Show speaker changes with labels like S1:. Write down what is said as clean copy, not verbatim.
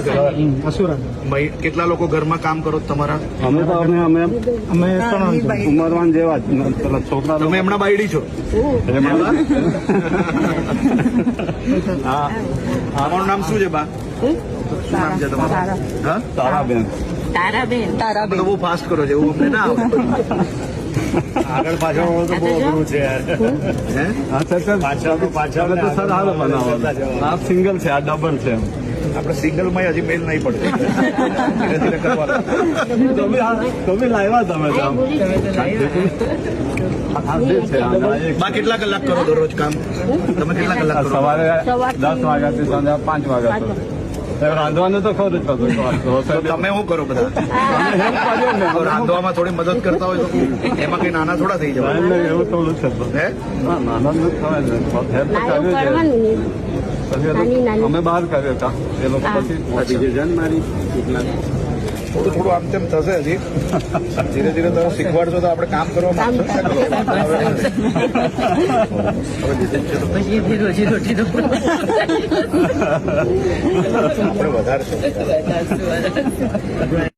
S1: છે. કેટલા લોકો ઘરમાં કામ કરો છો તમારા?
S2: અમે તો અમે ઉંમરવાન જેવા જ પેલા છોકરા.
S1: તમે એમના બાયડી છો? હા. તમારું નામ શું છે બા? શું નામ છે તમારું? હા,
S2: તારાબેન.
S3: તારાબેન
S1: બહુ ફાસ્ટ કરો છો એવું અમને ના આવે. આગળ પાછળ તો બહુ અઘરું છે યાર.
S2: પાછળ તો સર હાલ બનાવો. આ સિંગલ છે, આ ડબલ છે.
S1: આપણે સિંગલમાં હજી મેલ નહીં પડતો. ધીરે ધીરે કરવાનું.
S2: તો બી લાવ્યા તમે
S1: બા કેટલા કલાક કરો દરરોજ કામ? તમે કેટલા કલાક કરો?
S2: સવારે 10 વાગ્યાથી સાંજે 5 વાગ્યા સુધી. રાંધવાનું તો ખરું જ
S1: તો તમે શું કરો બધા? રાંધવામાં થોડી મદદ કરતા હોય તો એમાં કઈ નાના થોડા થઈ જવાય.
S2: એવું થોડું છે.
S1: હે
S2: નાના અમે બહાર કર્યો હતા એ લોકો પછી મારી
S1: થોડું થોડું આમ તેમ થશે હજી. ધીરે ધીરે તમે શીખવાડશો તો આપણે કામ કરવા માંગશો. આપણે વધારશું.